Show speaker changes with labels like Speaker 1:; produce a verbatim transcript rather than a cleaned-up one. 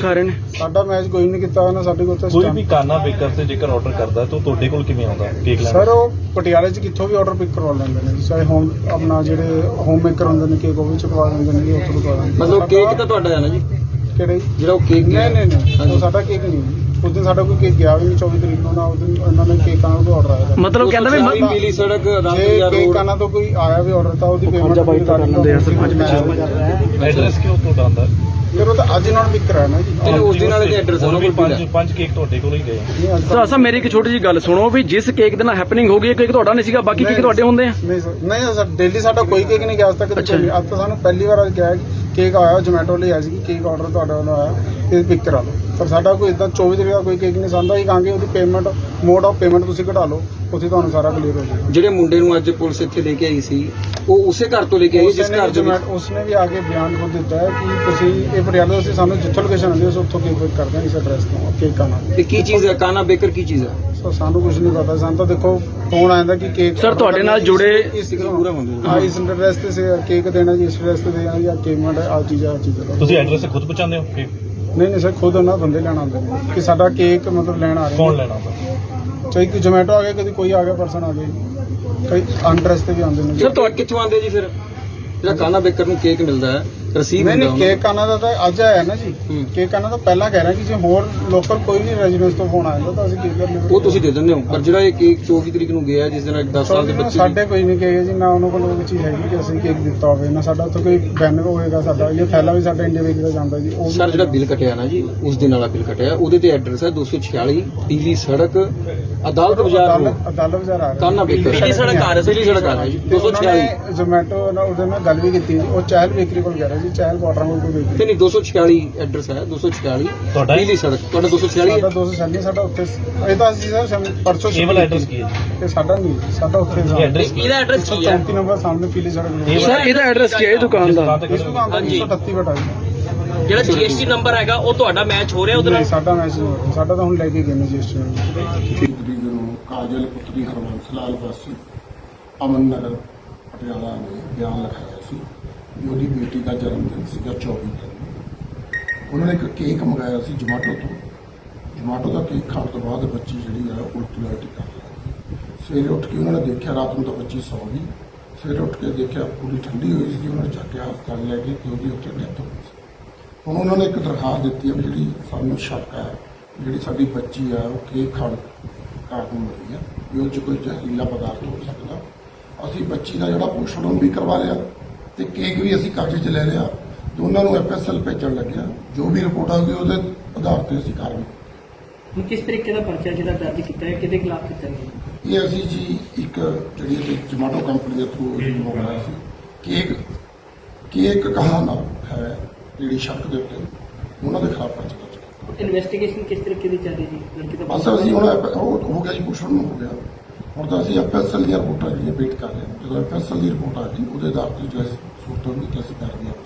Speaker 1: ਦਿਖਾ ਰਹੇ ਨੇ।
Speaker 2: ਸਾਡਾ ਮੈਚ ਕੋਈ ਨਹੀਂ ਕੀਤਾ ਉਹਨਾਂ ਸਾਡੇ ਕੋਲ।
Speaker 3: ਕੋਈ ਵੀ ਕਾਨਾ ਬੇਕਰ ਤੇ ਜੇਕਰ ਆਰਡਰ ਕਰਦਾ ਤਾਂ ਤੁਹਾਡੇ ਕੋਲ ਕਿਵੇਂ ਆਉਂਦਾ ਕੇਕ ਲੈਣ?
Speaker 2: ਸਰ ਉਹ ਪਟਿਆਲੇ 'ਚ ਕਿੱਥੋਂ ਵੀ ਆਰਡਰ ਪਿਕ ਕਰਵਾ ਲੈਂਦੇ ਨੇ, ਚਾਹੇ ਹੋਮ ਆਪਣਾ ਜਿਹੜੇ ਹੋਮ ਮੇਕਰ ਹੁੰਦੇ ਨੇ ਕੇਕ ਉਹ ਵੀ ਚੁਕਵਾ ਦਿੰਦੇ ਨੇ, ਉੱਥੋਂ ਕਰਵਾ ਦਿੰਦੇ।
Speaker 4: ਮਤਲਬ ਕੇਕ ਤਾਂ ਤੁਹਾਡਾ ਹੈ ਨਾ ਜੀ?
Speaker 2: ਕਿਹੜਾ ਜੀ?
Speaker 4: ਜਿਹੜਾ ਉਹ ਕੇਕ
Speaker 2: ਨਹੀਂ ਨਹੀਂ ਨਹੀਂ ਉਹ ਸਾਡਾ ਕੇਕ ਨਹੀਂ। ਉਸ ਦਿਨ ਸਾਡਾ ਕੋਈ ਕੇਕ ਗਿਆ ਵੀ ਨਹੀਂ। ਚੌਵੀ ਤਰੀਕ ਨੂੰ ਨਾ ਉਸ ਦਿਨ ਉਹਨਾਂ ਨੇ ਕੇਕਾਂ ਦਾ ਆਰਡਰ ਆਇਆ।
Speaker 1: ਮਤਲਬ ਕਹਿੰਦਾ ਵੀ
Speaker 4: ਪੀਲੀ ਸੜਕ
Speaker 2: ਜੇ ਕੇਕਾਂ ਤੋਂ ਕੋਈ ਆਇਆ ਵੀ ਆਰਡਰ ਤਾਂ ਉਹਦੀ ਪੇਮੈਂਟ
Speaker 1: ਲੈਂਦੇ ਆ ਸਰਪੰਚ ਪਿੱਛੇ।
Speaker 3: ਐਡਰੈਸ ਕਿਉਂ ਤੁਹਾਡਾ ਆਉਂਦਾ?
Speaker 2: ਫਿਰ ਉਹ ਤਾਂ ਅੱਜ ਨਾਲ ਪਿਕ ਕਰਾਇਆ ਨਾ ਜੀ।
Speaker 4: ਤੇ ਉਸ ਦਿਨ ਵਾਲੇ ਦੇ ਐਡਰੈਸ ਉਹਨਾਂ ਕੋਲ
Speaker 3: ਪੰਜ ਪੰਜ ਕੇਕ ਤੁਹਾਡੇ ਕੋਲ ਹੀ ਗਏ।
Speaker 1: ਸਰ ਅਸਾਂ ਮੇਰੀ ਇੱਕ ਛੋਟੀ ਜਿਹੀ ਗੱਲ ਸੁਣੋ ਵੀ ਜਿਸ ਕੇਕ ਦੇ ਨਾਲ ਹੈਪਨਿੰਗ ਹੋ ਗਈ ਹੈ ਕੇਕ ਤੁਹਾਡਾ ਨਹੀਂ ਸੀਗਾ, ਬਾਕੀ ਕੇਕ ਤੁਹਾਡੇ ਹੁੰਦੇ ਆ?
Speaker 2: ਨਹੀਂ ਸਰ ਨਹੀਂ ਸਰ ਡੇਲੀ ਸਾਡਾ ਕੋਈ ਕੇਕ ਨਹੀਂ ਗਿਆ ਅੱਜ ਤੱਕ। ਅੱਜ ਤਾਂ ਸਾਨੂੰ ਪਹਿਲੀ ਵਾਰ ਅੱਜ ਕਿਹਾ ਕੇਕ ਆਇਆ ਜੋਮੈਟੋ ਲਈ ਆਇਆ ਸੀ ਕੇਕ ਆਰਡਰ ਤੁਹਾਡੇ ਵੱਲੋਂ ਆਇਆ ਤੇ ਪਿਕ ਕਰਾ ਲਓ। ਪਰ ਸਾਡਾ ਕੋਈ ਇਦਾਂ ਚੌਵੀ ਤਰੀਕ ਦਾ ਕੋਈ ਕੇਕ ਨਹੀਂ ਸਾਡਾ ਹੀ ਕਹਾਂਗੇ ਉਹਦੀ ਪੇਮੈਂਟ ਮੋਡ ਆਫ ਪੇਮੈਂਟ ਤੁਸੀਂ ਘਟਾ ਲਓ, ਉੱਥੇ ਤੁਹਾਨੂੰ ਸਾਰਾ ਕਲੀਅਰ ਹੋ ਜਾਏਗਾ।
Speaker 4: ਜਿਹੜੇ ਮੁੰਡੇ ਨੂੰ ਅੱਜ ਪੁਲਿਸ ਇੱਥੇ ਲੈ ਕੇ ਆਈ ਸੀ ਉਹ ਉਸੇ ਘਰ ਤੋਂ ਲੈ ਕੇ ਆਈ ਜਿਸ ਘਰ ਦੇ ਵਿੱਚ
Speaker 2: ਉਸਨੇ ਵੀ ਆ ਕੇ ਬਿਆਨ ਖੁਦ ਦਿੱਤਾ ਹੈ ਕਿ ਤੁਸੀਂ ਇਹ ਪਟਿਆਲੇ ਅਸੀਂ ਸਾਨੂੰ ਜਿੱਥੋਂ ਲੋਕੇਸ਼ਨ ਆਉਂਦੀ ਹੈ ਉੱਥੋਂ ਕੇਕ ਪਿਕ ਕਰਦੇ ਹਾਂ ਇਸ ਐਡਰੈਸ ਤੋਂ ਕੇਕ ਆਣਾ।
Speaker 4: ਤੇ ਕੀ ਚੀਜ਼ ਹੈ ਕਾਨਾ ਬੇਕਰ ਕੀ ਚੀਜ਼ ਹੈ?
Speaker 2: ਸੋ ਸਾਨੂੰ ਕੁਝ ਨਹੀਂ ਪਤਾ। ਸਾਨੂੰ ਤਾਂ ਦੇਖੋ ਫੋਨ ਆਇਆ ਕਿ ਕੇਕ
Speaker 1: ਸਰ ਤੁਹਾਡੇ ਨਾਲ ਜੁੜੇ
Speaker 2: ਇਸ ਪੂਰਾ ਹੁੰਦੇ ਹਾਂ ਇਸ ਐਡਰੈਸ ਤੇ ਸੇ ਕੇਕ ਦੇਣਾ ਜੀ, ਇਸ ਐਡਰੈਸ ਤੇ ਦੇਣਾ ਜਾਂ ਪੇਮੈਂਟ ਆ ਚੀਜ਼ ਆ ਚੀਜ਼।
Speaker 3: ਤੁਸੀਂ ਐਡਰੈਸ ਖੁਦ ਪਹੁੰਚਾਉਂਦੇ ਹੋ ਕੇਕ?
Speaker 2: ਨਹੀਂ ਨਹੀਂ ਸਰ ਖੁਦ ਉਹਨਾਂ ਬੰਦੇ ਲੈਣ ਆਉਂਦੇ ਨੇ ਕਿ ਸਾਡਾ ਕੇਕ ਮਤਲਬ ਲੈਣ ਆ ਰਹੇ।
Speaker 3: ਕੌਣ ਲੈਣਾ ਆਉਂਦਾ?
Speaker 2: ਚਾਹੇ ਕੋਈ ਜੋਮੈਟੋ ਆ ਗਿਆ, ਕਦੀ ਕੋਈ ਆ ਗਿਆ ਪਰਸਨ ਆ ਗਿਆ, ਕਈ ਅਨਡਰੈਸ ਤੇ ਵੀ ਆਉਂਦੇ ਨੇ।
Speaker 4: ਸਰ ਤੁਹਾਡੇ ਕਿੱਥੋਂ ਆਉਂਦੇ ਜੀ ਫਿਰ ਜਿਹੜਾ ਕਾਨਾ ਬੇਕਰ ਨੂੰ ਕੇਕ ਮਿਲਦਾ ਹੈ ਰਸੀਦ
Speaker 2: ਨਹੀਂ ਨਹੀਂ ਕੇਕ ਆਣਾ ਦਾ ਤਾਂ ਅੱਜ ਆਇਆ ਨਾ ਜੀ। ਕੇਕ ਆਣਾ ਤਾਂ ਪਹਿਲਾਂ ਕਹਿ ਰਿਹਾ ਕਿ ਜੇ ਹੋਰ ਲੋਕਲ ਕੋਈ ਵੀ ਰੈਜ਼ੀਡੈਂਸ ਤੋਂ ਫੋਨ ਆ ਜਾਂਦਾ ਤਾਂ ਅਸੀਂ ਕੇਕ ਕਰ ਲੈਂਦੇ।
Speaker 4: ਉਹ ਤੁਸੀਂ ਦੇ ਦਿੰਦੇ ਹੋ, ਪਰ ਜਿਹੜਾ ਇਹ ਕੇਕ ਚੌਵੀ ਤਰੀਕ ਨੂੰ ਗਿਆ ਜਿਸ ਦਿਨ ਦਸ ਸਾਲ ਦੇ ਬੱਚੇ
Speaker 2: ਸਾਡੇ ਕੋਈ ਨਹੀਂ ਕਹੇਗਾ ਜੀ, ਨਾ ਉਹਨਾਂ ਕੋਲ ਉਹ ਚੀਜ਼ ਹੈਗੀ ਕਿ ਅਸੀਂ ਕੇਕ ਦਿੱਤਾ ਹੋਵੇ, ਨਾ ਸਾਡਾ ਉੱਥੇ ਕੋਈ ਬੈਨਰ ਹੋਏਗਾ। ਸਾਡਾ ਇਹ ਥੈਲਾ ਵੀ ਸਾਡਾ ਇੰਡੀਆ ਵੇਚਦਾ ਜਾਂਦਾ ਜੀ। ਉਹ
Speaker 4: ਸਰ ਜਿਹੜਾ ਬਿੱਲ ਕਟਿਆ ਨਾ ਜੀ ਉਸ ਦਿਨ ਵਾਲਾ ਬਿੱਲ ਕਟਿਆ ਉਹਦੇ ਤੇ ਐਡਰੈਸ ਹੈ ਦੋ ਸੌ ਛਿਆਲੀ ਪੀਲੀ ਸੜਕ ਅਦਾਲਤ ਬਾਜ਼ਾਰ ਰੋਡ
Speaker 2: ਅਦਾਲਤ ਬਾਜ਼ਾਰ ਆ ਰਿਹਾ
Speaker 4: ਕਾਨਾ ਬੇਕਰ ਪੀਲੀ ਸੜਕ ਆ ਰਿਹਾ ਪੀਲੀ ਸੜਕ ਆ ਰਿਹਾ ਜੀ ਦੋ ਸੌ ਛਿਆਲੀ।
Speaker 2: ਜ਼ੋਮੈਟੋ ਨਾਲ ਉਹਦੇ ਨਾਲ ਗੱਲ ਵੀ ਕੀਤੀ, ਉਹ ਚਹਿਲ ਬੇਕਰੀ ਕੋਲ ਗਿਆ ਰਿਹਾ ਜੀ, ਚਹਿਲ ਵਾਟਰਾਂ ਕੋਲ ਕੋਈ ਬੇਕਰੀ
Speaker 4: ਤੇ ਨਹੀਂ ਦੋ ਸੌ ਛਿਆਲੀ ਐਡਰੈਸ ਹੈ ਦੋ ਸੌ ਛਿਆਲੀ
Speaker 3: ਤੁਹਾਡਾ
Speaker 4: ਪੀਲੀ ਸੜਕ ਤੁਹਾਡਾ ਦੋ ਸੌ ਛਿਆਲੀ
Speaker 2: ਸਾਡਾ ਦੋ ਸੌ ਛਿਆਲੀ ਸਾਡਾ ਉੱਥੇ ਇਹ ਤਾਂ ਅਸੀਂ ਸਰ ਪਰਸੋਂ
Speaker 3: ਕੇਵਲ ਐਡਰੈਸ ਕੀ ਹੈ
Speaker 2: ਤੇ ਸਾਡਾ ਨਹੀਂ ਸਾਡਾ ਉੱਥੇ
Speaker 3: ਇਹ ਐਡਰੈਸ
Speaker 4: ਇਹਦਾ ਐਡਰੈਸ ਕੀ ਹੈ?
Speaker 2: ਚੌਂਤੀ ਨੰਬਰ ਸਾਹਮਣੇ ਪੀਲੀ ਸੜਕ।
Speaker 1: ਸਰ ਇਹਦਾ ਐਡਰੈਸ ਕੀ ਹੈ ਦੁਕਾਨ ਦਾ?
Speaker 2: ਇਸ ਦੁਕਾਨ ਦਾ ਇੱਕ ਸੌ ਅਠੱਤੀ ਬਟਾ ਜੀ।
Speaker 5: ਜਿਹੜਾ ਜੀਐਸਟੀ ਨੰਬਰ ਹੈਗਾ ਉਹ ਤੁਹਾਡਾ ਮੈਚ ਹੋ ਰਿਹਾ ਉਹਦੇ ਨਾਲ?
Speaker 2: ਸਾਡਾ ਮੈਚ ਨਹੀਂ ਹੋ ਰਿਹਾ, ਸਾਡਾ ਤਾਂ ਹੁਣ ਲੈ ਕੇ ਗਏ ਨੇ ਜੀਐਸਟੀ ਨੂੰ।
Speaker 6: ਤਰੀਕ ਨੂੰ ਕਾਜਲ ਪੁੱਤਰੀ ਹਰਬੰਸ ਲਾਲ ਵਾਸੀ ਅਮਨ ਨਗਰ ਪਟਿਆਲਾ ਨੇ ਬਿਆਨ ਲਿਖਾਇਆ ਸੀ ਵੀ ਉਹਦੀ ਬੇਟੀ ਦਾ ਜਨਮ ਦਿਨ ਸੀਗਾ ਚੌਵੀ ਨੂੰ। ਉਹਨਾਂ ਨੇ ਇੱਕ ਕੇਕ ਮੰਗਾਇਆ ਸੀ ਜੋਮੈਟੋ ਤੋਂ। ਜੋਮੈਟੋ ਦਾ ਕੇਕ ਖਾਣ ਤੋਂ ਬਾਅਦ ਬੱਚੀ ਜਿਹੜੀ ਆ ਉਲਟੀ ਉਲਟੀ ਕਰ ਰਹੀ। ਸਵੇਰੇ ਉੱਠ ਕੇ ਉਹਨਾਂ ਨੇ ਦੇਖਿਆ, ਰਾਤ ਨੂੰ ਤਾਂ ਬੱਚੀ ਸੌ ਗਈ। ਸਵੇਰੇ ਉੱਠ ਕੇ ਦੇਖਿਆ ਪੂਰੀ ਠੰਡੀ ਹੋਈ ਸੀ, ਉਹਨਾਂ ਨੇ ਚੱਕ ਕੇ ਹਸਪਤਾਲ ਲੈ ਗਏ ਤੇ ਉਹਦੀ ਉੱਥੇ ਡੈਥ ਹੋ ਗਈ ਸੀ। ਹੁਣ ਉਹਨਾਂ ਨੇ ਇੱਕ ਦਰਖਾਸਤ ਦਿੱਤੀ ਹੈ ਵੀ ਜਿਹੜੀ ਸਾਨੂੰ ਸ਼ੱਕ ਹੈ ਜਿਹੜੀ ਸਾਡੀ ਬੱਚੀ ਆ ਉਹ ਕੇਕ ਖਾਣ ਕਾਰਨ ਮਰੀ ਆ, ਵੀ ਉਹ 'ਚ ਕੋਈ ਜ਼ਹਿਰੀਲਾ ਪਦਾਰਥ ਹੋ ਸਕਦਾ। ਅਸੀਂ ਬੱਚੀ ਦਾ ਜਿਹੜਾ ਪੋਸਟਮਾਰਟਮ ਵੀ ਕਰਵਾ ਲਿਆ ਤੇ ਕੇਕ ਵੀ ਅਸੀਂ ਕਬਜ਼ੇ 'ਚ ਲੈ ਲਿਆ। ਦੋਨਾਂ ਨੂੰ ਐਫ ਐਸ ਐਲ ਭੇਜਣ ਲੱਗਿਆ। ਜੋ ਵੀ ਰਿਪੋਰਟ ਆਊਗੀ ਉਹਦੇ ਆਧਾਰ ਤੇ ਅਸੀਂ ਕਾਰਵਾਈ।
Speaker 5: ਹੁਣ ਕਿਸ ਤਰੀਕੇ ਦਾ ਪਰਚਾ ਜਿਹੜਾ ਦਰਜ ਕੀਤਾ ਹੈ, ਕਿਹਦੇ ਖਿਲਾਫ ਕੀਤਾ ਗਿਆ?
Speaker 6: ਇਹ ਅਸੀਂ ਜੀ ਇੱਕ ਜਿਹੜੀ ਜੋਮੈਟੋ ਕੰਪਨੀ ਦੇ ਥਰੂ ਮੰਗਵਾਇਆ ਸੀ ਕੇਕ ਕੇਕ ਕਹਾਣਾ ਹੈ ਜਿਹੜੀ ਸ਼ੱਕ ਦੇ ਉੱਤੇ ਉਹਨਾਂ ਦੇ ਖਿਲਾਫ ਪਰਚਾ ਦਰਜ ਕੀਤਾ।
Speaker 5: ਇਨਵੈਸਟੀਗੇਸ਼ਨ ਕਿਸ ਤਰੀਕੇ ਦੀ ਚੱਲ ਰਹੀ ਜੀ? ਲੜਕੀ ਦਾ
Speaker 6: ਬਸ ਅਸੀਂ ਹੁਣ ਉਹ ਹੋ ਗਿਆ ਜੀ ਪੁੱਛਣ ਨੂੰ ਹੋ ਗਿਆ। ਹੁਣ ਤਾਂ ਅਸੀਂ ਐਫ ਐਸ ਐਲ ਦੀਆਂ ਰਿਪੋਰਟਾਂ ਜਿਹੜੀਆਂ ਵੇਟ ਕਰ ਰਹੇ ਹਾਂ। ਜਦੋਂ ਐਫ ਐਸ ਐਲ ਦੀ ਰਿਪੋਰਟ ਆ ਗਈ ਉਹਦੇ ਆਧਾਰ ਤੇ ਜੋ ਸੂਰਤ ਹੋਣੀ ਕਿ ਅਸੀਂ ਕਰ ਰਹੇ ਹਾਂ।